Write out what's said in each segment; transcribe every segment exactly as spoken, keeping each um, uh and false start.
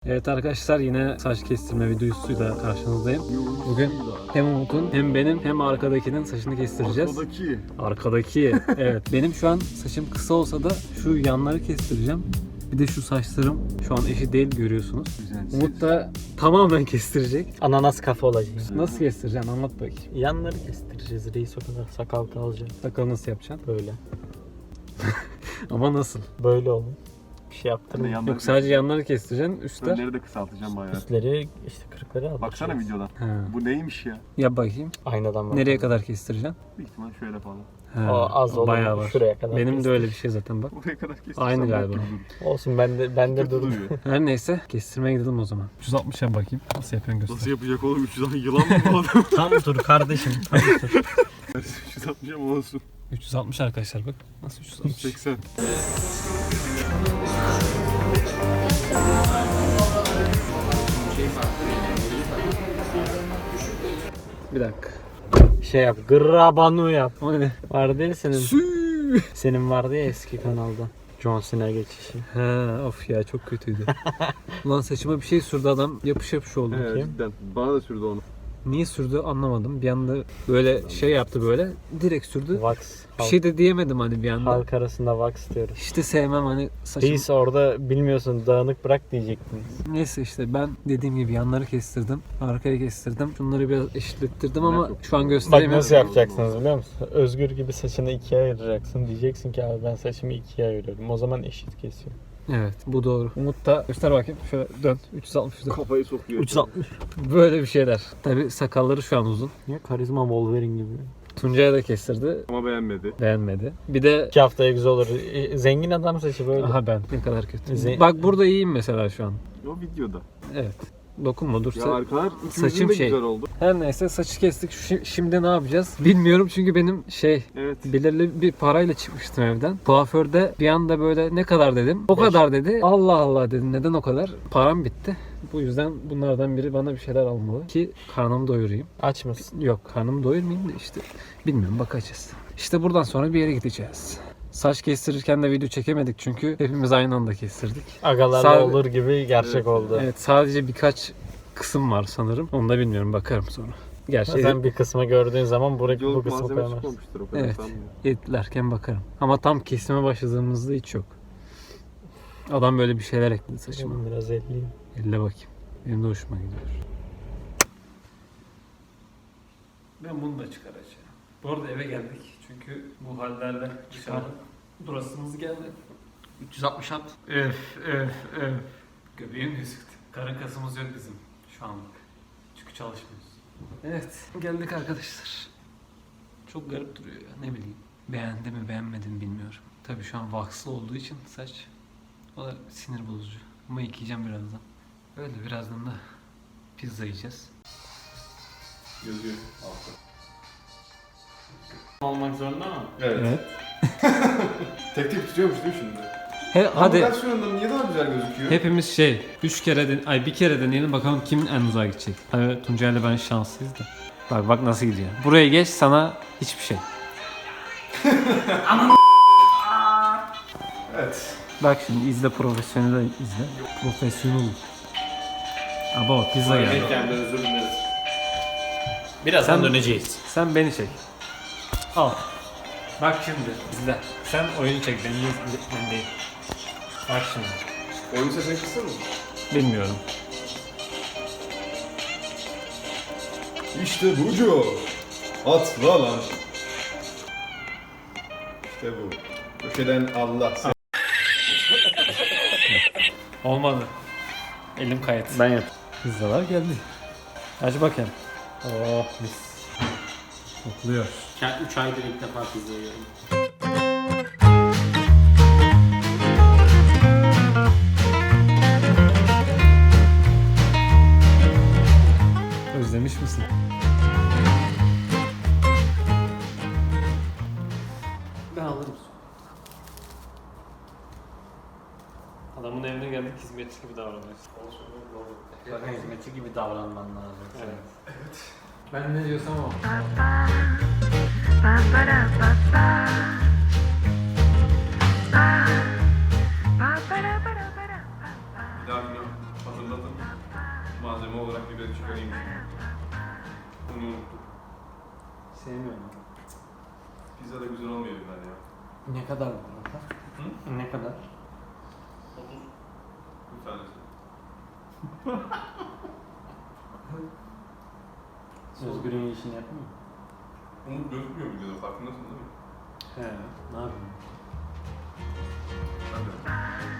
Evet arkadaşlar, yine saç kestirme videosuyla karşınızdayım. Bugün hem Umut'un hem benim hem arkadakinin saçını kestireceğiz. Arkadaki. Arkadaki. Evet. Benim şu an saçım kısa olsa da şu yanları kestireceğim. Bir de şu saçlarım şu an eşit değil, görüyorsunuz. Güzel. Umut da tamamen kestirecek. Ananas kafa olacak. Nasıl kestireceksin? Anlat bakayım. Yanları kestireceğiz. Reis o kadar sakal kalacak. Sakal nasıl yapacaksın? Böyle. Ama nasıl? Böyle olun. Bir şey yaptırmayın. Yanları Yok, sadece yanları kestireceksin. Üstler. Önleri de kısaltacağım bayağı. Üstleri işte kırıkları al. Baksana videodan. Ha. Bu neymiş ya? Yap bakayım. Aynadan bak. Nereye kadar kestireceksin? Büyük ihtimal şöyle falan. Ha, O az olur. bayağı var. Şuraya kadar. Benim kestir. de öyle bir şey zaten bak. Buraya kadar kestirsen Aynı bak galiba. gibi durur. Olsun, ben de ben de Kötü dur. duruyor. Her neyse, kestirmeye gidelim o zaman. üç yüz altmışa bakayım. Nasıl yapıyorsun göster. Nasıl yapacak oğlum? üç yüz altmış yılan mı bu adam? Tam dur kardeşim. Tam dur. üç yüz altmış ama olsun. üç yüz altmış arkadaşlar bak. Nasıl üç yüz altmış? seksen. Bir dakika. Şey yap. Grabanu yap. O ne? Vardı ya senin. Senin vardı ya eski kanalda. John Cena geçişi. Ha, of ya, çok kötüydü. Ulan saçıma bir şey sürdü adam, yapış yapış oldu. Evet Bakayım. cidden. Bana da sürdü onu. Niye sürdü anlamadım. Bir anda böyle şey yaptı, böyle direkt sürdü. Wax. Bir şey de diyemedim hani bir anda. Halk arasında wax diyoruz. İşte sevmem hani saçım. Reis orada bilmiyorsun, dağınık bırak diyecektiniz. Neyse işte ben dediğim gibi yanları kestirdim. Arkaya kestirdim. Şunları biraz eşitlettirdim ama çok şu an Bak gösteremiyorum. nasıl yapacaksınız biliyor musun? Özgür gibi saçını ikiye ayıracaksın. Diyeceksin ki abi ben saçımı ikiye ayırıyorum. O zaman eşit kesiyor. Evet, bu doğru. Umut da göster bakayım. Şöyle dön. üç yüz altmış dön. Kafayı sokuyor. üç yüz altmış. Böyle bir şeyler. Tabii sakalları şu an uzun. Niye? Karizma Wolverine gibi. Tuncay'a da kestirdi. Ama beğenmedi. Beğenmedi. Bir de İki haftaya güzel olur. E, Zengin adam saçı böyle. aha ben ne kadar kötü. Ze- Bak burada iyiyim mesela şu an. O videoda. Evet. Dokunma, dur. Ya Sa- arkalar saçım ikimizin de şey. güzel oldu. Her neyse, saçı kestik. Şi- Şimdi ne yapacağız? Bilmiyorum çünkü benim şey Evet. belirli bir parayla çıkmıştım evden. Kuaförde bir anda böyle ne kadar dedim. O Beş. kadar dedi. Allah Allah dedim. Neden o kadar? Param bitti. Bu yüzden bunlardan biri bana bir şeyler almalı ki karnımı doyurayım. Aç mısın? Yok, karnımı doyurmayayım da işte bilmiyorum, bakacağız. İşte buradan sonra bir yere gideceğiz. Saç kestirirken de video çekemedik çünkü hepimiz aynı anda kestirdik. Agalarla Sağ- olur gibi gerçek Evet. oldu. Evet, sadece birkaç kısım var sanırım. Onu da bilmiyorum, bakarım sonra. Gerçi Sen bir kısmı gördüğün zaman bu, bu Videoluk kısmı malzeme koyamazsın. çıkmamıştır o kadar Evet. sanmıyorum. editlerken bakarım. Ama tam kesime başladığımızda hiç yok. Adam böyle bir şeyler ekledi saçıma. Benim biraz elliyim. Elle bakayım. Benim de hoşuma gidiyor. Ben bunu da çıkaracağım. Bu arada eve geldik. Çünkü bu hallerle dışarı durasımız geldi. üç yüz altmış at. Öf öf öf. Göbeğim gözüktü. Karın kasımız yok bizim şu anlık. Çünkü çalışmıyoruz. Evet, geldik arkadaşlar. Çok garip duruyor ya, ne bileyim. Beğendi mi beğenmedi mi bilmiyorum. Tabii şu an waxlı olduğu için saç, o da sinir bozucu. Ama yıkayacağım birazdan. Öyle, birazdan da pizza yiyeceğiz. Yazıyor altta. Olmak zorunda mı? Evet. Tek tek tutuyormuş değil mi şimdi? He, hadi versiyonunda niye daha güzel gözüküyor? hepimiz şey, üç kere den ay bir kere deneyelim bakalım kimin en uzağa gidecek. Tabii Tuncay ile ben şanslıyız da. Bak bak nasıl gidiyor. Buraya geç, sana hiçbir şey. Evet. Bak şimdi izle, profesyonel izle. Profesyonel. Aba pizza geldi. Kendi özür dileriz. Birazdan Sen- döneceğiz. Sen beni çek. Al. Bak şimdi izle. Sen oyunu çek, beni izle, ben değil. Bak şimdi. Oyun sesini kıssana mı? Bilmiyorum. İşte bucu. Atla lan. İşte bu. Köşeden Allah. Sen... Olmadı. Elim kayıt. Ben yap. Pizzalar geldi. Aç bakayım. Oh mis. Kokluyor. üç aydır ilk defa pizza yiyorum. Özlemiş misin? Ben alırım. Adamın evine geldik, hizmetçi gibi davranıyorsun. Hizmetçi gibi davranman lazım. Evet. Ben ne diyorsam o. Bir daha biliyorum. Hazırladım. Malzeme olarak biber çıkarayım. Bunu unuttum. Sevmiyorum. Pizza da güzel olmuyor biber ya. Ne kadar bu arada? Hı? Ne kadar? otuz. Bir tanesi. Özgür'ün işini yapmıyor mu? Umut gözükmüyor videoda, farkındasın değil mi? He. Ne yapayım? Hadi.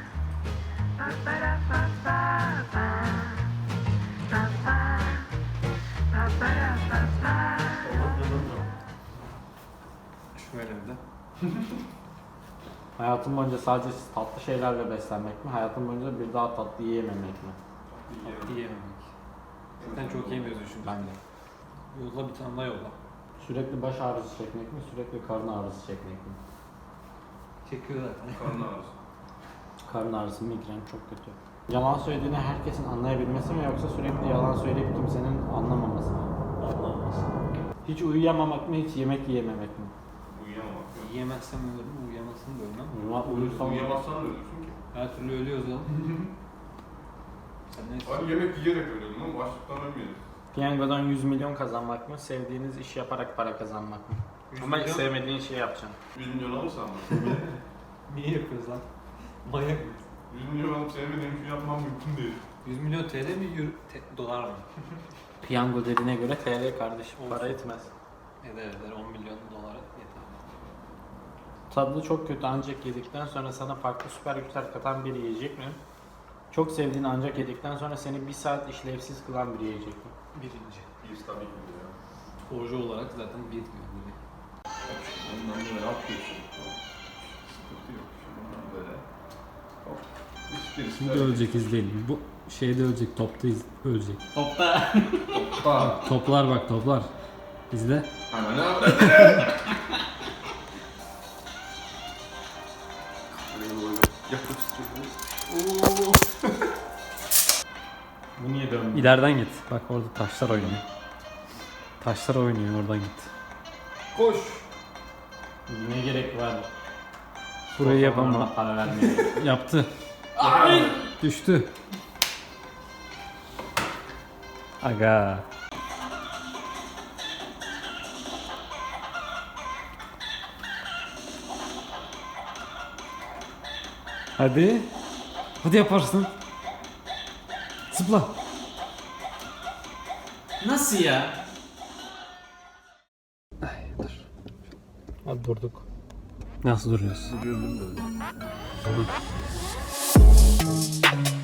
Şöyle bir de. Hayatın boyunca sadece tatlı şeylerle beslenmek mi? Hayatın boyunca bir daha tatlı yiyememek mi? Tatlı yiyememek. Zaten çok yemiyoruz çünkü. Ben de. Yolla bir tane daha yolla. Sürekli baş ağrısı çekmek mi? Sürekli karın ağrısı çekmek mi? Çekiyor zaten. Karnı ağrısı. Karın ağrısı, migren çok kötü. Yalan söylediğini herkesin anlayabilmesi mi yoksa sürekli yalan söyleyip kimsenin anlamaması mı? Anlamaz. Hiç uyuyamamak mı, hiç yemek yiyememek mi? Uyuyamamak yok. Yiyemezsem ölürüm, uyuyamazsam da ölmem. Uyuma, uyursam Uyuyamazsan da ölürsün ki. Her türlü ölüyoruz oğlum. Sen ne istiyorsun? Hani yemek yiyerek ölüyordum ama açlıktan ölmüyoruz. Piyangodan yüz milyon kazanmak mı, sevdiğiniz iş yaparak para kazanmak mı? Ama milyon? sevmediğin şeyi yapacaksın. yüz milyon alırsan mı? Niye yapıyoruz lan? Manyak mıyız? yüz milyon alıp sevmediğim şey yapmam mümkün değil. yüz milyon T L mi, euro, te- dolar mı? Piyango dediğine göre T L kardeşim, Olsun. para etmez. Eder eder on milyon dolara yeter. Tadı çok kötü ancak yedikten sonra sana farklı süper güçler katan bir yiyecek mi? Çok sevdiğin ancak yedikten sonra seni bir saat işlevsiz kılan bir yiyecek mi? Birinci. Bir tabii ki de ya. Sporcu olarak zaten bir diyor. Ondan böyle yapıyorsun. Sıkıntı yok. Şundan böyle. Hop. Hiçbirisi Şimdi ölecek izleyelim. Bu şeyde ölecek, topta iz- ölecek. Topta. Bak. Toplar bak toplar. İzle. Ana ne yaptın? Bu niye dönmüyor? İleriden git. Bak orada taşlar oynuyor. Taşlar oynuyor, oradan git. Koş. Ne gerek var? Burayı yapamam. Fotoğraflarına para vermeye. Yaptı. Düştü. Aga. Hadi. Hadi yaparsın. Zıpla. Nasıl ya? Hadi durduk. Nasıl duruyoruz? Duruyorum değil mi böyle?